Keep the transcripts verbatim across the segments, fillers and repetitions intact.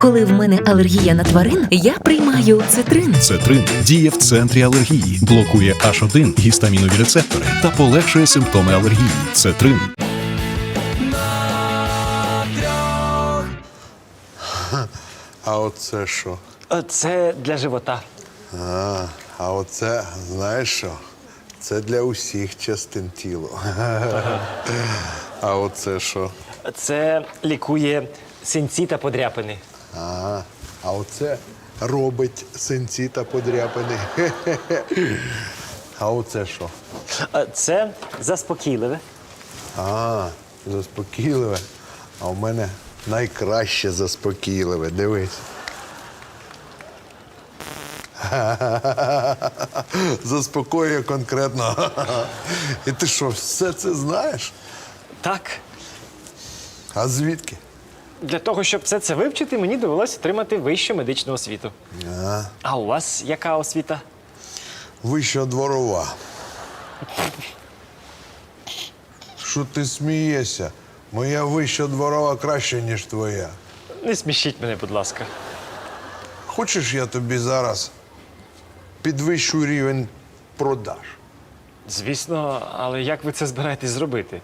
Коли в мене алергія на тварин, я приймаю цитрин. Цетрин діє в центрі алергії, блокує аш один гістамінові рецептори та полегшує симптоми алергії. Цетрин. А оце що? Це для живота. А, а оце, знаєш що? Це для усіх частин тіла. А оце що? Це лікує синці та подряпини. А, а оце робить синці та подряпини. А оце що? Це заспокійливе. А, заспокійливе. А у мене найкраще заспокійливе. Дивись. Заспокоює конкретно. І ти що, все це знаєш? Так. А звідки? Для того, щоб все це вивчити, мені довелося отримати вищу медичну освіту. А, А у вас яка освіта? вища дворова. Що ти смієшся? Моя вища дворова краще, ніж твоя. Не смішіть мене, будь ласка. Хочеш, я тобі зараз підвищу рівень продаж? Звісно, але як ви це збираєтесь зробити?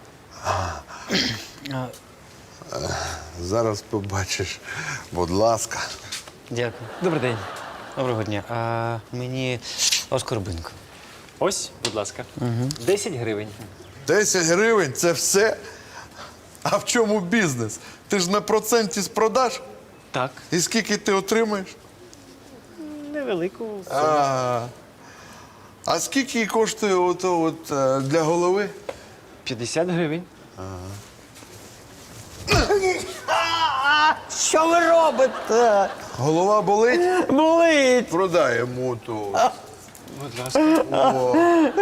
Зараз побачиш. Будь ласка. Дякую. Добрий день. Доброго дня. А мені оскорбинку. Ось, будь ласка. десять гривень. десять гривень – це все? А в чому бізнес? Ти ж на проценті з продаж? Так. І скільки ти отримаєш? Невелику. А, а скільки коштує ото от е, для голови? п'ятдесят гривень. Що ви робите? Голова болить? Болить! Продай йому ту. Будь ласка. О.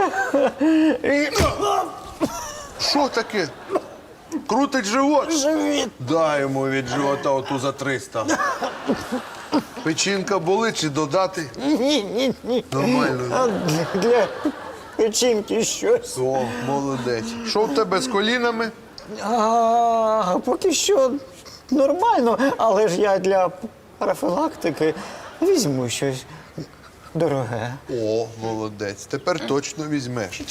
Що таке? Крутить живот? Живіт! Дай йому від живота оту за триста. Печінка болить чи додати? Ні, ні, ні. Нормально. А для, для печінки щось. О, молодець. Що в тебе з колінами? А, поки що нормально, але ж я для профілактики візьму щось дороге. О, молодець. Тепер точно візьмеш.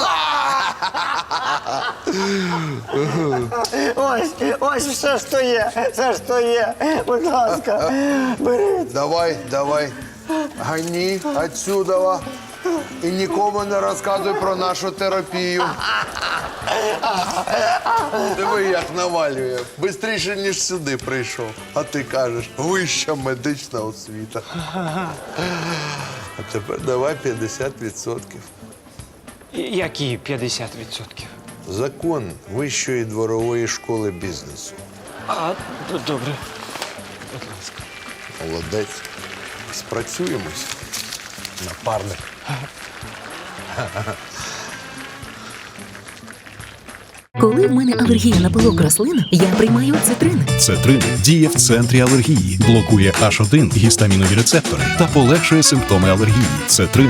Ось, ось все, що є, все, що є. Будь ласка, беріть. Давай, давай. Гані отсюда. І нікому не розказуй про нашу терапію. Диви, як навалює. Бистріше, ніж сюди прийшов. А ти кажеш, вища медична освіта. А тепер давай п'ятдесят відсотків. Які п'ятдесят відсотків? Закон Вищої дворової школи бізнесу. А, д- добре. Будь ласка. Молодець. Спрацюємось. Напарник. Коли в мене алергія на пилок рослин, я приймаю цитрин. Цетрин діє в центрі алергії, блокує аш один гістамінові рецептори та полегшує симптоми алергії. Цетрин.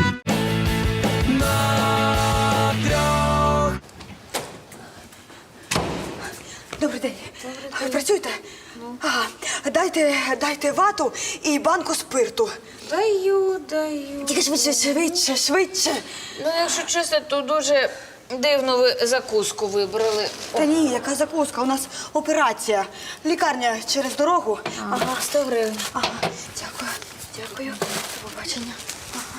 Добрий день. Працюєте? Ага. Дайте, дайте вату і банку спирту. Даю, даю. Тільки швидше, швидше, швидше. Ну, якщо чесно, то дуже дивно ви закуску вибрали. Та ні, яка закуска? У нас операція. Лікарня через дорогу. Ага, сто гривень. Ага. Дякую. Дякую. До побачення. Ага.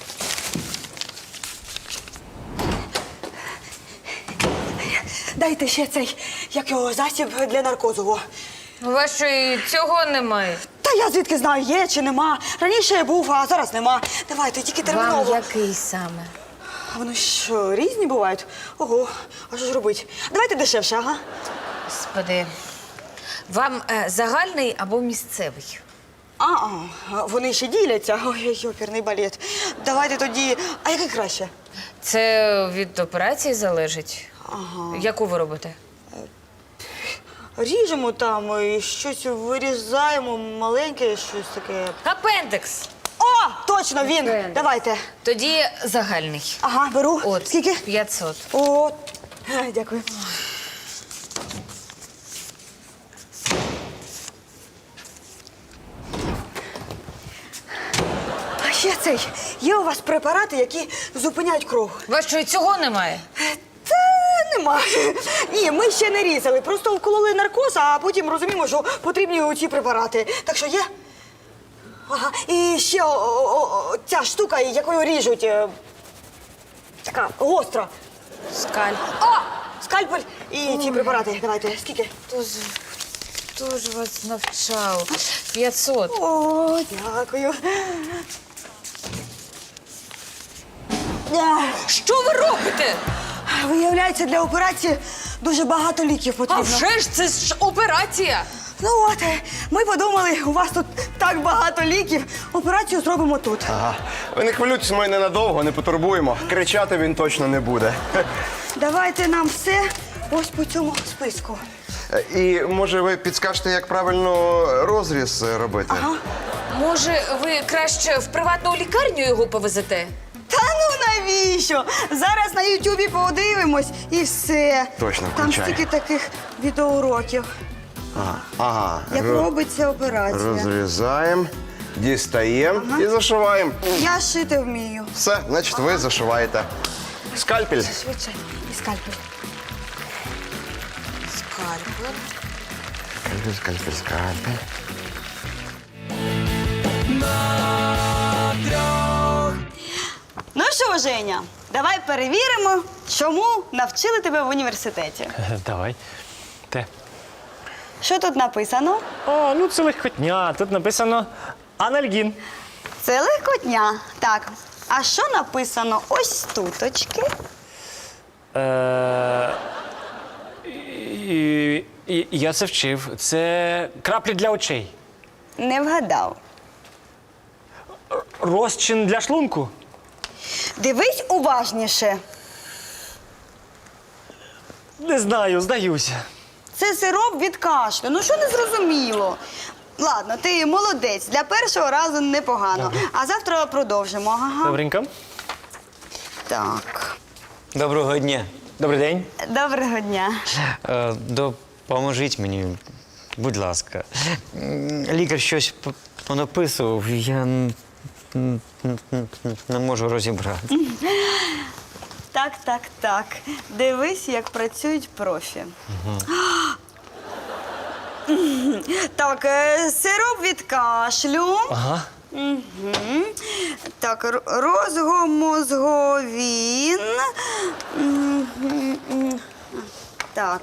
Дайте ще цей, як його, засіб для наркозу. У вас що, і цього немає? Та я звідки знаю, є чи нема. Раніше був, а зараз нема. Давайте, тільки терміново. Вам який саме? А вони що, різні бувають? Ого, а що ж робити? Давайте дешевше, ага. Господи, вам е, загальний або місцевий? А, а, вони ще діляться. Ой, оперний балет. Давайте тоді. А який краще? Це від операції залежить. Ага. Яку ви робите? Ріжемо там і щось вирізаємо, маленьке, щось таке. Апендекс. О, точно він! Давайте. Тоді загальний. Ага, беру. От, Скільки? п'ятсот. О, е, дякую. цей, є у вас препарати, які зупиняють кров? У вас що, і цього немає? Та нема. Ні, ми ще не різали. Просто вкололи наркоз, а потім розуміємо, що потрібні ці препарати. Так що є? Ага. І ще о, о, о, ця штука, якою ріжуть. е, Така гостра. Скаль. О! Скальпель і ці препарати. Давайте, скільки? Хто ж, хто ж вас навчав? п'ятсот. О, дякую. Ах, Що ви робите? Виявляється, для операції дуже багато ліків А потрібно. вже ж це ж операція. Ну от, е, ми подумали, у вас тут так багато ліків, операцію зробимо тут. Ага. Ви не хвилюйтесь, ми ненадовго, не потурбуємо. Кричати він точно не буде. Давайте нам все ось по цьому списку. І може ви підскажете, як правильно розріз робити? Ага. Може, ви краще в приватну лікарню його повезете? Та ну навіщо? Зараз на Ютубі подивимось і все. Точно, Там включай. стільки таких відеоуроків, Ага. ага. як Ро- робиться операція. Розрізаємо, дістаємо і зашиваємо. Я шити вмію. Все, значить, ви зашиваєте. Скальпель. Швидше. І скальпель. Скальпель. Скальпель, скальпель, скальпель. Ну що, Женя, давай перевіримо, чому навчили тебе в університеті. Давай. Те. Що тут написано? О, ну це легкотня. Тут написано анальгін. Це легкотня. Так. А що написано ось туточки? Е, і, і, я це вчив. Це краплі для очей. Не вгадав. Розчин для шлунку. Дивись уважніше. Не знаю, здаюся. Це сироп від кашлю. Ну що не зрозуміло? Ладно, ти молодець. Для першого разу непогано. Добре. А завтра продовжимо. Ага. Добренько. Так. Доброго дня. Добрий день. Доброго дня. Е, Допоможіть мені, будь ласка. М, Лікар щось п- понаписував, я н- н- н- н- не можу розібрати. Так, так, так. Дивись, як працюють профі. Так, е, сироп від кашлю. Ага. Мгм. Так, р- розгомозговін. Мгм. Так.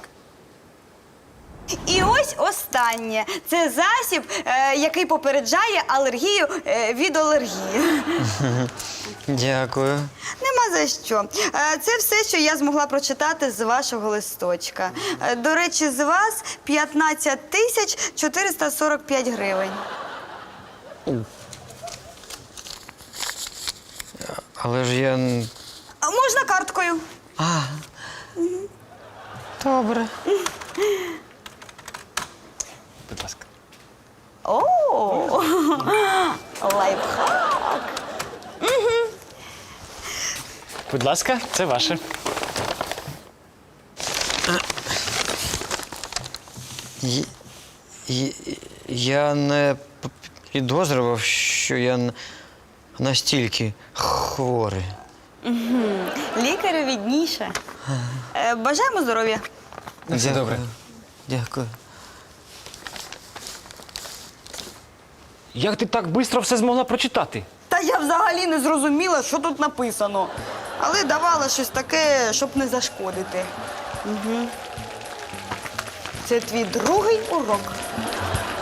І ось останнє. Це засіб, е, який попереджає алергію е, від алергії. Дякую. Нема за що. Е, Це все, що я змогла прочитати з вашого листочка. Е, До речі, з вас п'ятнадцять тисяч чотириста сорок п'ять гривень. Але ж я. н- А можна карткою? А. Добре. Будь ласка. О, лайфхак. Будь ласка, це ваше. Й- й- Я не п- підозрював, що я н- настільки хворий. Лікарю відніше. Е, Бажаємо здоров'я. Все добре. Дякую. Як ти так швидко все змогла прочитати? Та я взагалі не зрозуміла, що тут написано. Але давала щось таке, щоб не зашкодити. Угу. Це твій другий урок.